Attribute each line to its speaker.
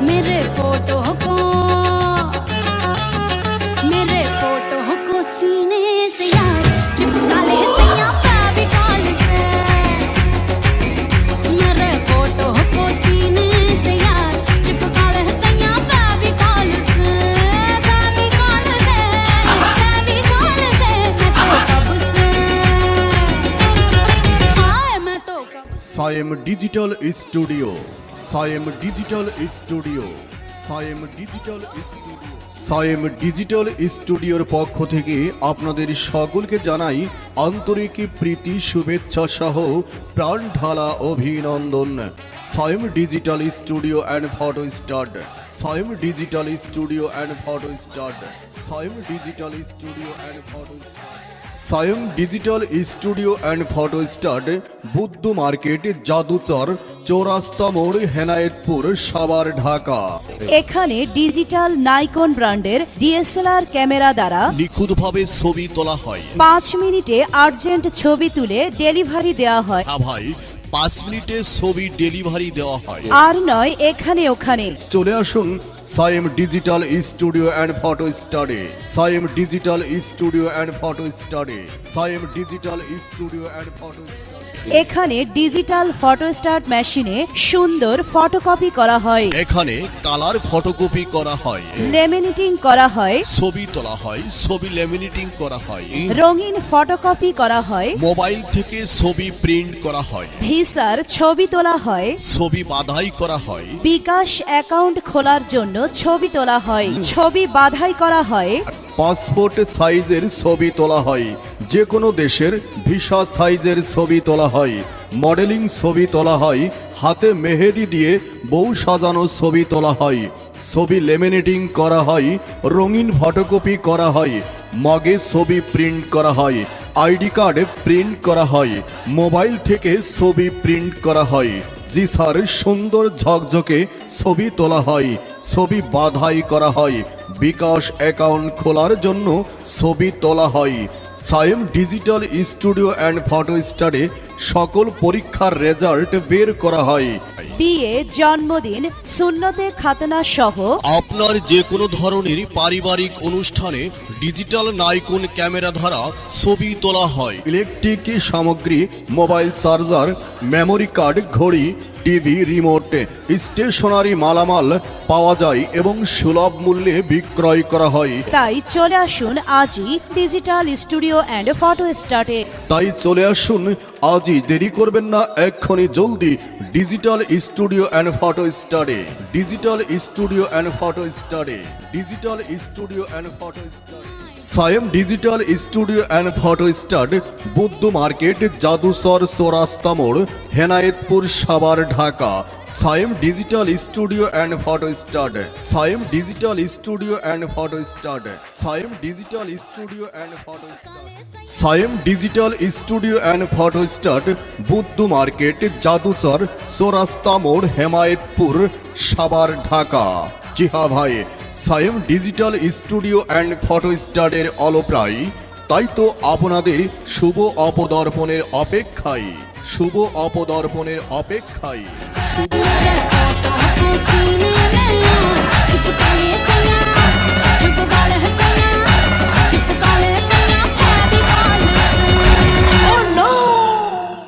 Speaker 1: मेरे फोटो को सीने से यार चिपका ले सैया फेविकॉल से। मेरे फोटो को सीने से यार चिपका ले सैया फेविकॉल से। फेविकॉल से मैं तो कब से हाय मैं तो कब
Speaker 2: Sayem digital studio, Sayem digital studio, Sayem digital studio. Sayem digital স্টুডিওর পক্ষ থেকে আপনাদের সকলকে জানাই আন্তরিক প্রীতি শুভেচ্ছা সহ প্রাণ ঢালা অভিনন্দন। Sayem digital studio and photostat, Sayem digital studio and photostat, Sayem digital studio and photostat. Sayem digital studio and photostat, Buddha market, Jaduchar, চৌরাস্তা মোড়, হেনায়েতপুর, সাভার, ঢাকা।
Speaker 3: এখানে ডিজিটাল নাইকন ব্র্যান্ডের ডিএসএলআর ক্যামেরা দ্বারা
Speaker 2: নিখুঁতভাবে ছবি তোলা হয়।
Speaker 3: 5 মিনিটে আর্জেন্ট ছবি তুলে ডেলিভারি দেওয়া হয়।
Speaker 2: হ্যাঁ ভাই, 5 মিনিটে ছবি ডেলিভারি দেওয়া হয়।
Speaker 3: আর নয় এখানে ওখানে।
Speaker 2: চলে আসুন Sayem digital studio and photostat, Sayem digital studio and photostat, Sayem digital studio and photostat.
Speaker 3: এখানে ডিজিটাল ফটোস্ট্যাট মেশিনে সুন্দর ফটোকপি করা হয়।
Speaker 2: এখানে কালার ফটোকপি করা হয়,
Speaker 3: লেমিনেটিং করা হয়,
Speaker 2: ছবি তোলা হয়, ছবি লেমিনেটিং করা হয়,
Speaker 3: রঙিন ফটোকপি করা হয়,
Speaker 2: মোবাইল থেকে ছবি প্রিন্ট করা হয়,
Speaker 3: ভিসার ছবি তোলা হয়,
Speaker 2: ছবি বাধাই করা হয়,
Speaker 3: বিকাশ অ্যাকাউন্ট খোলার জন্য ছবি তোলা হয়, ছবি বাধাই করা হয়,
Speaker 2: পাসপোর্ট সাইজের ছবি তোলা হয়, যে কোনো দেশের ভিসা সাইজের ছবি তোলা হয়, মডেলিং ছবি তোলা হয়, হাতে মেহেদি দিয়ে বউ সাজানো ছবি তোলা হয়, ছবি লেমিনেটিং করা হয়, রঙিন ফটোকপি করা হয়, মগে ছবি প্রিন্ট করা হয়, আইডি কার্ড প্রিন্ট করা হয়, মোবাইল থেকে ছবি প্রিন্ট করা হয়। জি স্যার, সুন্দর ঝকঝকে ছবি তোলা হয়, ছবি বাধাই করা হয়, বিকাশ অ্যাকাউন্ট খোলার জন্য ছবি তোলা হয়। সায়েম ডিজিটাল স্টুডিও অ্যান্ড ফটো স্টাডে সকল পরীক্ষার রেজাল্ট বের করা হয়।
Speaker 3: বিয়ে, জন্মদিন, সুন্নতে খাতনা সহ
Speaker 2: আপনার যে কোনো ধরনের পারিবারিক অনুষ্ঠানে ডিজিটাল নাইকন ক্যামেরা দ্বারা ছবি তোলা হয়। ইলেকট্রিক সামগ্রী, মোবাইল চার্জার, মেমোরি কার্ড, ঘড়ি, টিভি, রিমোট, স্টেশনারি মালামাল পাওয়া যায় এবং সুলভ মূল্যে বিক্রয় করা হয়।
Speaker 3: তাই চলে আসুন আজই ডিজিটাল স্টুডিও অ্যান্ড ফটো স্টাডে।
Speaker 2: তাই চলে আসুন আজই, দেরি করবেন না, এক্ষুনি জলদি digital studio and photostat, digital studio and photostat, digital studio and photostat. Sayem digital studio and photostat, Buddha market, Jaduchar, চৌরাস্তা মোড়, Hemayetpur, Savar, Dhaka. Sayem digital studio and photostat, Sayem digital studio and photostat, Sayem digital studio and photostat, Sayem digital studio and photostat, Buddha market, Jaduchar, চৌরাস্তা মোড়, হেমায়েতপুর, সাভার, ঢাকা। জি হ্যাঁ ভাই, Sayem digital studio and photo স্টাডের অলপ্রায়, তাই তো আপনাদের শুভ অপদর্পণের অপেক্ষায়, শুভ অপদর্পণের অপেক্ষায়, শুভ
Speaker 1: मेरे फोटो को सीने में